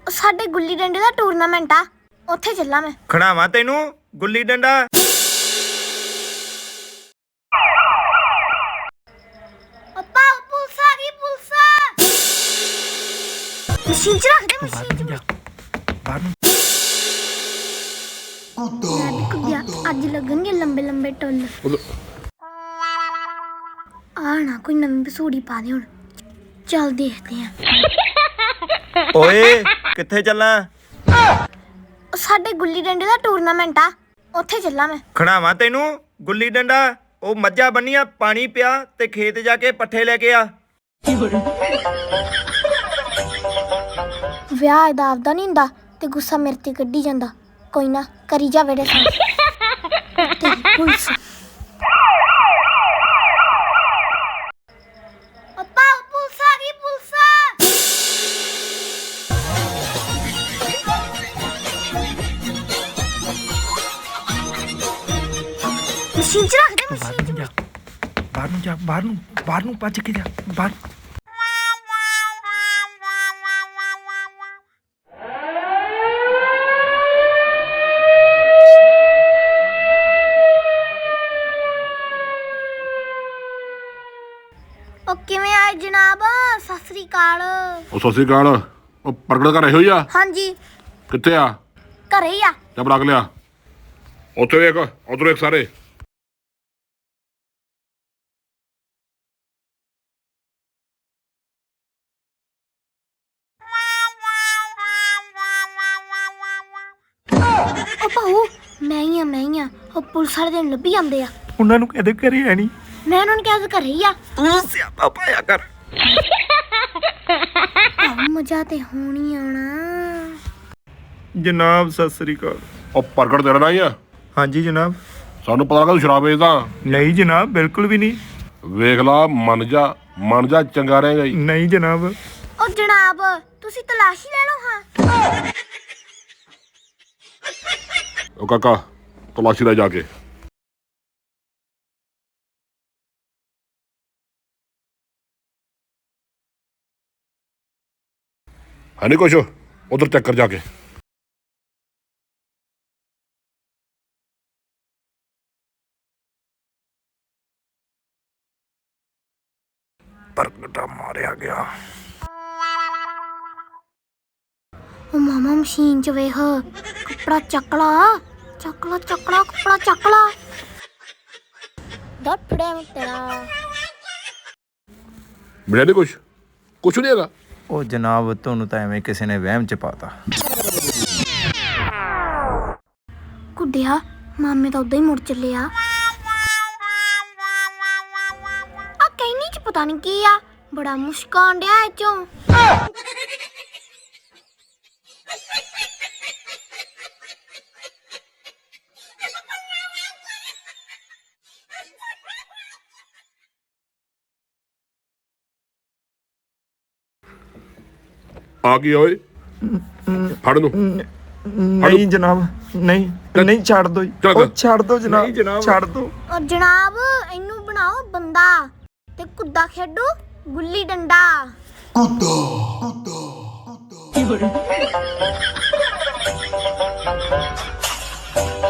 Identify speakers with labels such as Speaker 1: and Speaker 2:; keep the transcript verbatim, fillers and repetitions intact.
Speaker 1: ਸਾਡੇ ਗੁੱਲੀ ਡੰਡੇ ਦਾ ਟੂਰਨਾਮੈਂਟ ਆ, ਉੱਥੇ ਚੱਲਾਂ ਮੈਂ।
Speaker 2: ਖੜਾਵਾਂ ਤੈਨੂੰ ਗੁੱਲੀ ਡੰਡਾ।
Speaker 1: ਅੱਪਾ ਪੁਲਿਸ ਆ ਗਈ, ਪੁਲਿਸ। ਮਸ਼ੀਨ ਚ ਰੱਖ ਦੇ, ਮਸ਼ੀਨ ਚ
Speaker 2: ਬਾਹਰ ਨੂੰ
Speaker 1: ਕੁੱਦਿਆ। ਅੱਜ ਲੱਗਣਗੇ ਲੰਬੇ ਲੰਬੇ ਟੁੱਲ। ਆ ਨਾ ਕੋਈ ਨਵੀਂ ਬਸੂੜੀ ਪਾ ਦੇ ਹੁਣ। ਚੱਲ ਦੇਖਦੇ ਆ।
Speaker 2: ਓਏ ਕਿੱਥੇ ਚੱਲਾਂ?
Speaker 1: ਸਾਡੇ ਗੁੱਲੀ ਡੰਡੇ ਦਾ ਟੂਰਨਾਮੈਂਟ ਆ, ਉੱਥੇ ਚੱਲਾਂ ਮੈਂ।
Speaker 2: ਖੜਾਵਾਂ ਤੈਨੂੰ ਗੁੱਲੀ ਡੰਡਾ। ਉਹ ਮੱਝਾਂ ਬੰਨੀਆਂ, ਪਾਣੀ ਪਿਆ ਤੇ ਖੇਤ ਜਾ ਕੇ ਪੱਠੇ ਲੈ ਕੇ ਆ।
Speaker 1: ਵਿਆਹ ਇਹਦਾ ਆਪਦਾ ਨਹੀਂ ਹੁੰਦਾ ਤੇ ਗੁੱਸਾ ਮੇਰੇ ਤੇ ਕੱਢੀ ਜਾਂਦਾ। ਕੋਈ ਨਾ ਕਰੀ ਜਾ ਵੇੜੇ ਸਾਂ। ਪੁਲਿਸ ਅੱਪਾ ਪੁਲਿਸ ਆ ਗਈ, ਪੁਲਿਸ। ਮਸ਼ੀਨ ਚ ਰੱਖ ਦੇ, ਮਸ਼ੀਨ ਚ।
Speaker 2: ਬਾਹਰ ਨੂੰ ਜਾ, ਬਾਹਰ ਨੂੰ ਬਾਹਰ ਨੂੰ ਭੱਜ ਕੇ ਜਾ ਬਾਹਰ।
Speaker 1: ਉਹ ਕਿਵੇਂ ਆਏ ਜਨਾਬ? ਸਤਿ ਸ੍ਰੀ ਅਕਾਲ।
Speaker 3: ਉਹ ਸਤਿ ਸ੍ਰੀ ਅਕਾਲ। ਉਹ ਪ੍ਰਗਟ ਘਰੇ ਹੋਈ ਆ?
Speaker 1: ਹਾਂਜੀ
Speaker 3: ਕਿੱਥੇ ਆ?
Speaker 1: ਘਰੇ ਹੀ ਆ।
Speaker 3: ਜਬ ਲੱਗ ਲਿਆ ਉੱਥੇ ਵੇਖ, ਉਧਰ ਵੇਖ ਸਾਰੇ।
Speaker 1: ਉਹ ਭਾਊ ਮੈਂ ਹੀ ਆ, ਮੈਂ ਹੀ ਆ। ਉਹ ਪੁਲਿਸ ਵਾਲੇ ਦਿਨ ਲੱਭੀ ਜਾਂਦੇ ਆ।
Speaker 2: ਉਹਨਾਂ ਨੂੰ ਕਦੇ ਘਰੇ ਹੈ ਨਹੀਂ।
Speaker 1: ਮੈਂ ਉਹਨਾਂ ਨੂੰ ਕਿਹਾ ਘਰੇ ਹੀ ਆ।
Speaker 2: ਤੂੰ ਸਿਆਪਾ ਪਾਇਆ ਕਰ।
Speaker 1: ਮਜ਼ਾ ਤੇ ਹੋਣੀ ਆਉਣਾ।
Speaker 2: ਜਨਾਬ ਸਤਿ ਸ੍ਰੀ ਅਕਾਲ।
Speaker 3: ਉਹ ਪ੍ਰਗਟ ਤੇਰਾ ਨਾ ਹੀ ਆ?
Speaker 2: ਹਾਂਜੀ ਜਨਾਬ।
Speaker 3: ਸਾਨੂੰ ਪਤਾ ਲੱਗਾ ਤੂੰ ਸ਼ਰਾਬ ਵੇਚਦਾ।
Speaker 2: ਨਹੀਂ ਜਨਾਬ, ਬਿਲਕੁਲ ਵੀ ਨਹੀਂ।
Speaker 3: ਵੇਖ ਲਾ, ਮੰਨ ਜਾ ਮੰਨ ਜਾ, ਚੰਗਾ ਰਹੇਗਾ ਜੀ।
Speaker 2: ਨਹੀਂ ਜਨਾਬ।
Speaker 1: ਉਹ ਜਨਾਬ ਤੁਸੀਂ ਤਲਾਸ਼ੀ ਲੈ ਲਓ। ਹਾਂ
Speaker 3: ਉਹ ਕਾਕਾ ਤਲਾਸ਼ੀ ਲੈ ਜਾ ਕੇ। ਹੈ ਨਹੀਂ ਕੁਛ? ਉਧਰ ਚੈੱਕ ਕਰ ਜਾ ਕੇ।
Speaker 2: ਪ੍ਰਗਟਾ ਮਾਰਿਆ ਗਿਆ।
Speaker 1: ਉਹ ਮਾਮਾ ਮਸ਼ੀਨ ਚ ਵੇਖ, ਕੱਪੜਾ ਚੱਕ ਲਾ, ਚੱਕ ਲਾ, ਚੱਕ ਲਾ, ਕੱਪੜਾ ਚੱਕ ਲਾ। ਦੱਸ ਫੜਿਆ ਮੈਂ ਤੇਰਾ।
Speaker 3: ਮਿਲਿਆ ਨਹੀਂ ਕੁਛ? ਕੁਛ ਨਹੀਂ ਹੈਗਾ।
Speaker 2: ਉਹ ਜਨਾਬ ਤੁਹਾਨੂੰ ਤਾਂ ਐਵੇਂ ਕਿਸੇ ਨੇ ਵਹਿਮ ਚ ਪਾਤਾ।
Speaker 1: ਕੁੱਡਿਆ ਮਾਮੇ ਤਾਂ ਉਦਾਂ ਹੀ ਮੁੜ ਚੱਲੇ ਆ। ਆ ਕਹਿਣੀ ਚ ਪਤਾ ਨਹੀਂ ਕੀ ਆ, ਬੜਾ ਮੁਸ਼ਕਾਨ ਡਿਆ ਇਹ ਚੋਂ।
Speaker 3: ਆ ਗਈ ਓਏ, ਫੜ ਨੂੰ।
Speaker 2: ਨਹੀਂ ਜਨਾਬ, ਨਹੀਂ ਨਹੀਂ, ਛੱਡ ਦੋ ਜੀ। ਉਹ ਛੱਡ ਦੋ ਜਨਾਬ, ਛੱਡ ਦੋ।
Speaker 1: ਉਹ ਜਨਾਬ ਇਹਨੂੰ ਬਣਾਓ ਬੰਦਾ ਤੇ ਕੁੱਦਾ ਖੇਡੂ ਗੁੱਲੀ ਡੰਡਾ।
Speaker 3: ਕੁੱਦਾ ਕੁੱਦਾ ਕੁੱਦਾ।